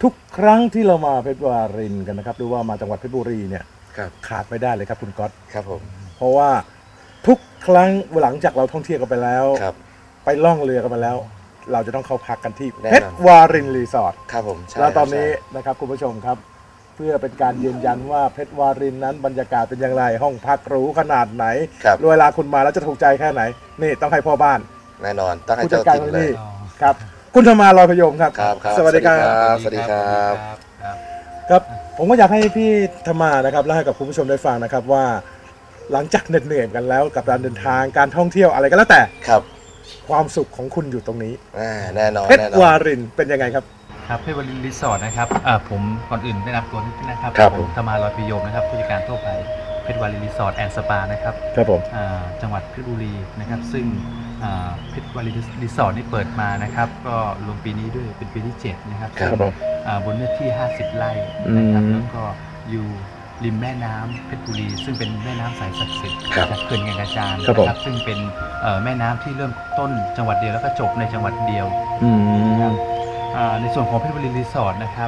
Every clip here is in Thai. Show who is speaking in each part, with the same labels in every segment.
Speaker 1: ทุกครั้งที่เรามาเพชรวารินกันนะครับหรือว่ามาจังหวัดเพชรบุรีเนี่ย
Speaker 2: ครับ
Speaker 1: ขาดไม่ได้เลยครับคุณก๊อต
Speaker 2: ครับผม
Speaker 1: เพราะว่าทุกครั้งหลังจากเราท่องเที่ยวกันไปแล้ว
Speaker 2: ครับ
Speaker 1: ไปล่องเรือกันมาแล้ว เราจะต้องเข้าพักกันที่
Speaker 2: แน่นอน
Speaker 1: เพชรวารินรีสอร์ท
Speaker 2: ครับผมใช่
Speaker 1: แล้วตอนนี้
Speaker 2: ใช่
Speaker 1: นะครับคุณผู้ชมครับ เพื่อเป็นการยืนยันว่าเพชรวารินนั้นบรรยากาศเป็นอย่างไรห้องพักหรูขนาดไหน
Speaker 2: ครับ
Speaker 1: เวลาคุณมาแล้วจะถูกใจแค่ไหนนี่ต้องให้พ่อบ้าน
Speaker 2: แน่นอนต้องให้
Speaker 1: ผู้จั
Speaker 2: เจ้า
Speaker 1: ดการ
Speaker 2: ถิ่น
Speaker 1: ที่
Speaker 2: เลย
Speaker 1: นี่ครับคุณธรรมาลอยพยมครับ
Speaker 2: ครับครับ
Speaker 1: สวัสดีครับ
Speaker 2: สวัสดีครับ
Speaker 1: ครับผมก็อยากให้พี่ธรรมานะครับเล่าให้กับคุณผู้ชมได้ฟังนะครับว่า หลังจากเหนื่อยกันแล้วกับการเดินทางการท่องเที่ยวอะไรก็แล้วแต่
Speaker 2: ครับ
Speaker 1: ความสุขของคุณอยู่ตรงนี้
Speaker 2: แน่นอน
Speaker 1: เพช
Speaker 2: แน่
Speaker 1: ร
Speaker 2: นอน
Speaker 1: วารินเป็นยังไงครับ
Speaker 3: ครับเพชรวารินรีสอร์ทนะครับผมก่อนอื่นแนะนำตัวนิดนึงนะครับ
Speaker 2: ครับ
Speaker 3: ผมธรรมาลอยพิโยมนะครับผู้จัดการทั่วไปเพชรวารินรีสอร์ทแอนด์สปานะครับ
Speaker 1: ครับผม
Speaker 3: จังหวัดเพชรบุรีนะครับซึ่งเพชรวารินรีสอร์ทนี่เปิดมานะครับก็รวมปีนี้ด้วยเป็นปีที่7นะครับ
Speaker 1: ครับผม
Speaker 3: บนเนื้อที่ 50 ไร่นะครับ
Speaker 1: อืม
Speaker 3: แล้วก็อยู่ริมแม่น้ำเพชรบุรี ซึ่งเป็นแม่น้ำสายศักดิ์สิทธิ์
Speaker 2: ครับ
Speaker 3: จากเขื่อนแก่งกระจาน
Speaker 1: ครับผม
Speaker 3: นะครับซึ่งเป็นแม่น้ำที่เริ่มต้นจังหวัดเดียวแล้วก็จบในจังหวัดเดียว
Speaker 1: อืม
Speaker 3: ในส่วนของเพชรบุรีรีสอร์ทนะครับ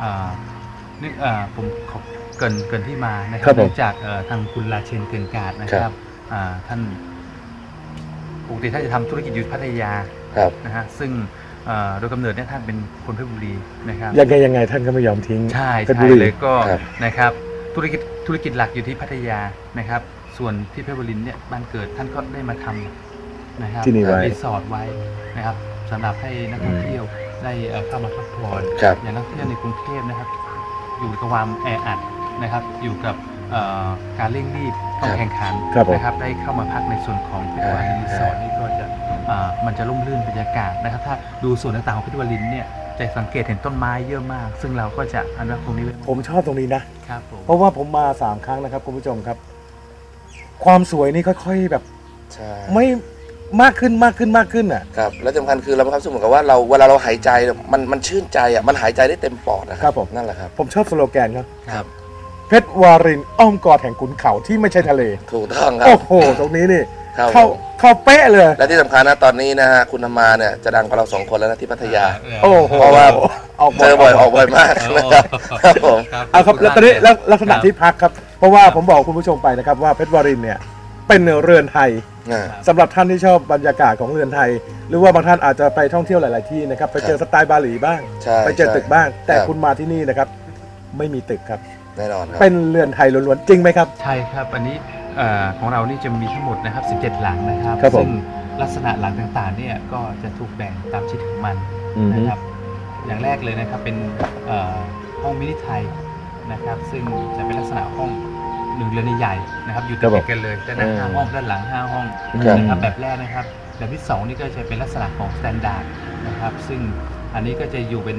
Speaker 3: ผมขอเกรินที่มานะค
Speaker 1: ครั
Speaker 3: รับบ
Speaker 1: ผม
Speaker 3: เนื่องจากทางคุณราเชนเกินกาดนะครับท่านปกติท่านจะทำธุรกิจอยู่พัทยา
Speaker 2: ครับ
Speaker 3: นะฮะซึ่งโดยกำเนิดเนี่ยท่านเป็นคนเพชรบุรีนะครับ
Speaker 1: ยังไงท่านก็ไม่ยอมทิ้ง
Speaker 3: ใช่
Speaker 1: เพชร
Speaker 3: ใช่
Speaker 1: บุรี
Speaker 3: เลยก็
Speaker 2: ครับ
Speaker 3: นะครับธุรกิจหลักอยู่ที่พัทยานะครับ ส่วนที่เพชรบุรีเนี่ยบ้านเกิดท่านก็ได้มาทำนะครับ
Speaker 1: ที่นี่ไว้
Speaker 3: รีสอร์ทไว้นะครับสำหรับให้นักท่องเที่ยวได้เข้ามาพักผ่อน
Speaker 2: ครับ
Speaker 3: อย่างนักท่องเที่ยวในกรุงเทพนะครับ อยู่กับความแออัดนะครับ อยู่กับการเร่งรีบต้องแข่งขัน
Speaker 1: ครับผม
Speaker 3: นะครับได้เข้ามาพักในส่วนของเพชรวารินรีสอร์ทนี่ก็จะมันจะร่มรื่นบรรยากาศนะครับ ถ้าดูส่วนต่างๆของเพชรวารินเนี่ยจะสังเกตเห็นต้นไม้เยอะมาก ซึ่งเราก็จะอนุรักษ์ตรงนี้ไว้
Speaker 1: ผมชอบตรงนี้นะ
Speaker 3: ครับผม
Speaker 1: เพราะว่าผมมา3 ครั้งนะครับคุณผู้ชมครับ ความสวยนี่ค่อยๆแบบ
Speaker 2: ใช่
Speaker 1: ไม่มากขึ้นอ่ะ
Speaker 2: ครับแล้วสำคัญคือเรามีความรู้สึกเหมือนกับว่าเราเวลาเราหายใจมันชื่นใจอ่ะมันหายใจได้เต็มปอดนะค
Speaker 1: ครั
Speaker 2: รับ
Speaker 1: ผม
Speaker 2: นั่นแหละครับ
Speaker 1: ผมชอบสโลแกนครับ
Speaker 2: ครับ
Speaker 1: เพชรวารินอ้อมกอดแห่งขุนเขาที่ไม่ใช่ทะเล
Speaker 2: ถูกต้องครับ
Speaker 1: โอ้โห ตรงนี้นี่
Speaker 2: ครับ
Speaker 1: เข้าเป๊ะเลย
Speaker 2: และที่สำคัญนะตอนนี้นะฮะคุณธรรมาเนี่ยจะดังกว่าเรา2 คนแล้วนะที่พัทยา
Speaker 1: โอ้โห
Speaker 2: เพราะว่า
Speaker 1: ออก
Speaker 2: เจอบ่อยออกบ่อยมากนะครับครับผม
Speaker 1: เอาครับแล้วตอนนี้แล้วลักษณะที่พักครับ เพราะว่าผมบอกคุณผู้ชมไปนะครับว่าเพชรวารินเนี่ยเป็นเรือนไทย
Speaker 2: อ่า
Speaker 1: สำหรับท่านที่ชอบบรรยากาศของเรือนไทย หรือว่าบางท่านอาจจะไปท่องเที่ยวหลาย ๆ ที่นะครับไปเจอสไตล์บาหลีบ้าง
Speaker 2: ใช่
Speaker 1: ไปเจอตึกบ้าง แต่
Speaker 2: ครับ
Speaker 1: คุณมาที่นี่นะครับไม่มีตึกครับ
Speaker 2: แน่นอนครับ
Speaker 1: เป็นเรือนไทยล้วน ๆ จริงไหมครับ
Speaker 3: ใช่ครับ อันนี้ของเรานี่จะมีทั้งหมดนะครับ17 หลังนะครับ
Speaker 1: ครับผม
Speaker 3: ซึ่งลักษณะหลังต่างๆเนี่ยก็จะถูกแบ่งตามชนิดของมันนะครับ อย่างแรกเลยนะครับเป็นห้องมินิไทยนะครับ ซึ่งจะเป็นลักษณะห้อง1 เรือนใหญ่ๆนะครับ อยู่ติดกันเลยด้านหน้า5 ห้องด้านหลัง5 ห้อง
Speaker 2: ครับ
Speaker 3: นะครับแบบแรกนะครับแบบที่2นี่ก็จะเป็นลักษณะของสแตนดาร์ดนะครับ ซึ่งอันนี้ก็จะอยู่เป็น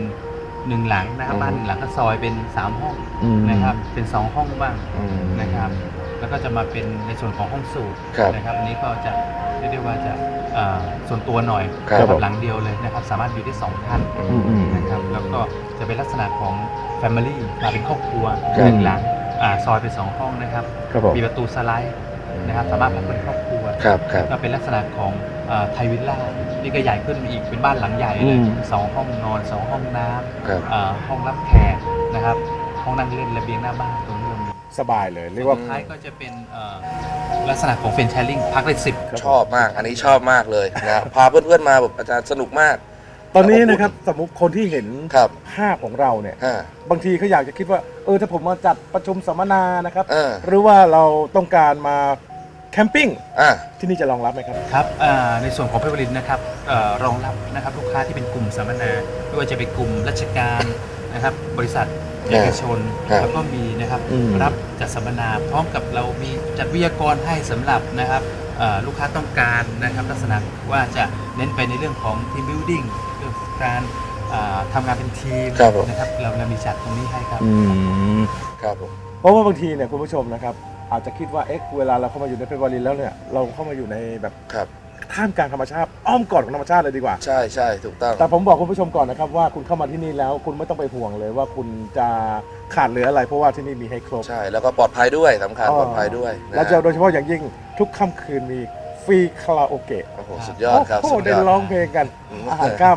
Speaker 3: 1 หลังนะครับบ้าน1 หลังก็ซอยเป็น3 ห้องนะครับเป็น2 ห้องบ้าง
Speaker 2: อืม
Speaker 3: นะครับแล้วก็จะมาเป็นในส่วนของห้องสูตร
Speaker 2: ครับ
Speaker 3: นะครับอันนี้ก็จะเรียกได้ว่าจะส่วนตัวหน่อย
Speaker 2: ครับ
Speaker 3: นะครับหลังเดียวเลยนะครับสามารถอยู่ได้2 ท่าน
Speaker 1: อืม
Speaker 3: นะครับแล้วก็จะเป็นลักษณะของ Family มาเป็นครอบครัว
Speaker 2: ครับ
Speaker 3: 1 หลังซอยเป็น2 ห้องนะครับ
Speaker 1: ครับผม
Speaker 3: มีประตูสไลด์นะครับสามารถพักเป็นครอบครัว
Speaker 2: ครับครับ
Speaker 3: ก็เป็นลักษณะของไทยวิลล่านี่ก็ใหญ่ขึ้นมาอีกเป็นบ้านหลังใหญ่เลย2 ห้องนอน2 ห้องน้
Speaker 2: ครับ
Speaker 3: ำห้องรับแขกนะครับห้องนั่งเล่นระเบียงหน้าบ้านตรงนี้เรามี
Speaker 1: สบายเลยเรียกว่า
Speaker 3: สุดท้ายก็จะเป็นลักษณะของเฟรนช์แชร์ลิงพักได้10
Speaker 2: ชอบมาก อันนี้ชอบมากเลยนะพาเพื่อนๆมาแบบอาจารย์สนุกมาก
Speaker 1: ตอนนี้นะครับสมมติคนที่เห็น
Speaker 2: ครับ
Speaker 1: ภาพของเราเนี่ย
Speaker 2: อ่า
Speaker 1: บางทีเขาอยากจะคิดว่าถ้าผมมาจัดประชุมสัมมนานะครับ
Speaker 2: เออ
Speaker 1: หรือว่าเราต้องการมาแคมปิ้ง
Speaker 2: อ่า
Speaker 1: ที่นี่จะรองรับไหมครับ
Speaker 3: ครับในส่วนของเพชรบุรีนะครับรองรับนะครับลูกค้าที่เป็นกลุ่มสัมมนาไม่ว่าจะเป็นกลุ่มราชการนะครับบริษัทเอกชน
Speaker 2: ครับ
Speaker 3: แล้วก็มีนะครับ
Speaker 1: อืม
Speaker 3: รับจัดสัมมนาพร้อมกับเรามีจัดวิทยากรให้สำหรับนะครับลูกค้าต้องการนะครับลักษณะว่าจะเน้นไปในเรื่องของทีมบิวดิ้งเรื่องของการทำงานเป็นทีม
Speaker 2: ครับผม
Speaker 3: นะครับเรามีจัดตรงนี้ให้ครับ
Speaker 2: ครับผม
Speaker 1: เพราะว่าบางทีเนี่ยคุณผู้ชมนะครับอาจจะคิดว่าเวลาเราเข้ามาอยู่ในเพชรบุรีแล้วเนี่ยเราเข้ามาอยู่ในแบบ
Speaker 2: ครับ
Speaker 1: ท่ามกลางธรรมชาติอ้อมกอดของธรรมชาติเลยดีกว่า
Speaker 2: ใช่ใช่ถูกต้อง
Speaker 1: แต่ผมบอกคุณผู้ชมก่อนนะครับว่าคุณเข้ามาที่นี่แล้วคุณไม่ต้องไปห่วงเลยว่าคุณจะขาดเหลืออะไร เพราะว่าที่นี่มีให้ครบ
Speaker 2: ใช่แล้วก็ปลอดภัยด้วยสำคัญปลอดภัยด้วยนะ
Speaker 1: และโดยเฉพาะอย่างยิ่งทุกค่ำคืนมีฟรีคาราโอเกะ
Speaker 2: โอ้โหสุดยอดครับ
Speaker 1: โอ้โห
Speaker 2: สุดย
Speaker 1: ได้
Speaker 2: อด
Speaker 1: ร้องเพลงกันอาหารค่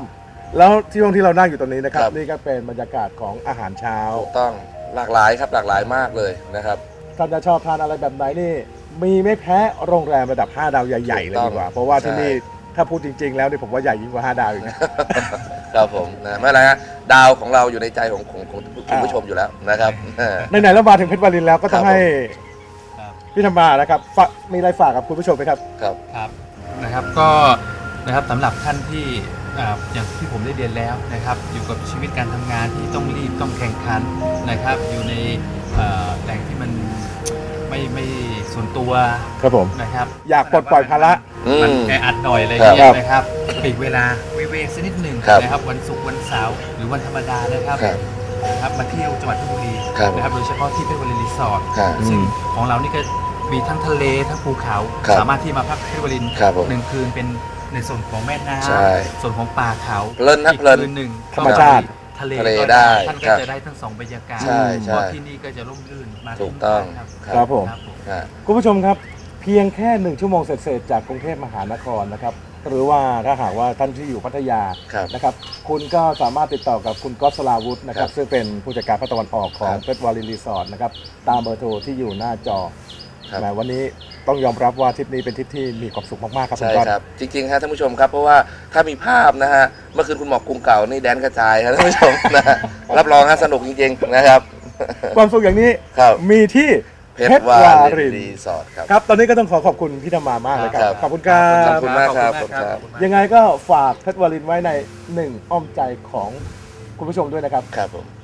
Speaker 1: แล้วที่ห้องที่เรานั่งอยู่ตรงนี้นะครับ
Speaker 2: ครับ
Speaker 1: นี่ก็เป็นบรรยากาศของอาหารเช้า
Speaker 2: ถูกต้องหลากหลายครับหลากหลายมากเลยนะครับ
Speaker 1: ท่านจะชอบทานอะไรแบบไหนนี่มีไม่แพ้โรงแรมระดับ 5 ดาวใหญ่ๆเลยดีกว่า เพราะว่าที่นี่ถ้าพูดจริงๆแล้วนี่ผมว่าใหญ่ยิ่งกว่า5 ดาวอีกนะ
Speaker 2: ครับผมนะไม่เป็นไรฮะดาวของเราอยู่ในใจของคุณผู้ชมอยู่แล้วนะครับ
Speaker 1: ไหนๆแล้วมาถึงเพชรวารินแล้วก็ต้อง
Speaker 2: ครับผม
Speaker 1: ให้
Speaker 3: ครับ
Speaker 1: พี่ธรรมานะครับมีอะไรฝากกับคุณผู้ชมไหมครับ
Speaker 2: ครับ
Speaker 3: ครับนะครับก็นะครับสำหรับท่านที่อย่างที่ผมได้เรียนแล้วนะครับอยู่กับชีวิตการทำงานที่ต้องรีบต้องแข่งขันนะครับอยู่ในแหล่งที่มันไม่ส่วนตัว
Speaker 1: ครับผม
Speaker 3: นะครับ
Speaker 1: อยากปลดปล่อยภาระ
Speaker 3: มันแออัดหน่อยอะไร
Speaker 2: ครับ
Speaker 3: เงี้ยนะครับปลีกเวลาวิเวกสักนิดหนึ่ง
Speaker 2: ครับ
Speaker 3: นะครับวันศุกร์วันเสาร์หรือวันธรรมดานะครับ
Speaker 2: ครับ
Speaker 3: นะครับมาเที่ยวจังหวัดเพชรบุรี
Speaker 2: ครับ
Speaker 3: นะครับโดยเฉพาะที่เพชรบุรีรีสอร์ท
Speaker 2: ครับ
Speaker 3: ซึ่งของเรานี่ก็มีทั้งทะเลทั้งภูเขา
Speaker 2: ครับ
Speaker 3: สามารถที่มาพักเพชรบุรี
Speaker 2: ครับผม
Speaker 3: 1 คืนเป็นในส่วนของแม่น้
Speaker 2: ใช่
Speaker 3: ำส่วนของป่าเขา
Speaker 2: เพลินนะ
Speaker 3: อีก
Speaker 2: เพลิน
Speaker 3: คืนหนึ่ง
Speaker 1: ธรรมชาติ
Speaker 3: ทะเล
Speaker 2: ทะเล
Speaker 3: ก็
Speaker 2: ได้
Speaker 3: ท่าน
Speaker 2: ค
Speaker 3: ก็
Speaker 2: รับ
Speaker 3: จะได้ทั้งสองบรรยากาศ
Speaker 2: ใช่
Speaker 3: เพ
Speaker 2: ใช่
Speaker 3: ราะที่นี่ก็จะร่มรื่นมา
Speaker 2: ถูกต้อง
Speaker 3: ครับ
Speaker 1: ครับผม
Speaker 3: ครับผม
Speaker 2: ฮะ
Speaker 1: คุณผู้ชมครับเพียงแค่1 ชั่วโมงเศษๆจากกรุงเทพมหานครนะครับหรือว่าถ้าหากว่าท่านที่อยู่พัทยา
Speaker 2: ครับ
Speaker 1: นะครับคุณก็สามารถติดต่อกับคุณก๊อตสลาวุธนะครับ
Speaker 2: ครับ
Speaker 1: ซึ่งเป็นผู้จัดการภาคตะวันออกของ
Speaker 2: ครับ
Speaker 1: เพชรวารินรีสอร์ทนะครับตามเบอร์โทรที่อยู่หน้าจอ
Speaker 2: ครับ
Speaker 1: แหมวันนี้ต้องยอมรับว่าทริปนี้เป็นทริปที่มีความสุขมากๆครับคุณ
Speaker 2: ใช่
Speaker 1: ก๊อต
Speaker 2: ครับ จริงๆครับท่านผู้ชมครับ เพราะว่าถ้ามีภาพนะฮะเมื่อคืนคุณหมอกกรุงเก่านี่แดนกระจายครับท่านผู้ชมนะฮะรับรองฮะสนุกจริงๆนะครับ
Speaker 1: ความสุขอย่างนี้
Speaker 2: ครับ
Speaker 1: มีที่
Speaker 2: เพชรวารินรีสอร์ทครับ
Speaker 1: ครับตอนนี้ก็ต้องขอบคุณพี่ธรรมามากเลยครับ
Speaker 2: ครับ
Speaker 1: ขอบคุณครับ
Speaker 2: ขอบคุณมากครับ
Speaker 3: ขอบคุณมาก
Speaker 1: ยังไงก็ฝากเพชรวารินไว้ใน1 อ้อมใจของคุณผู้ชมด้วยนะครับ
Speaker 2: ครับผม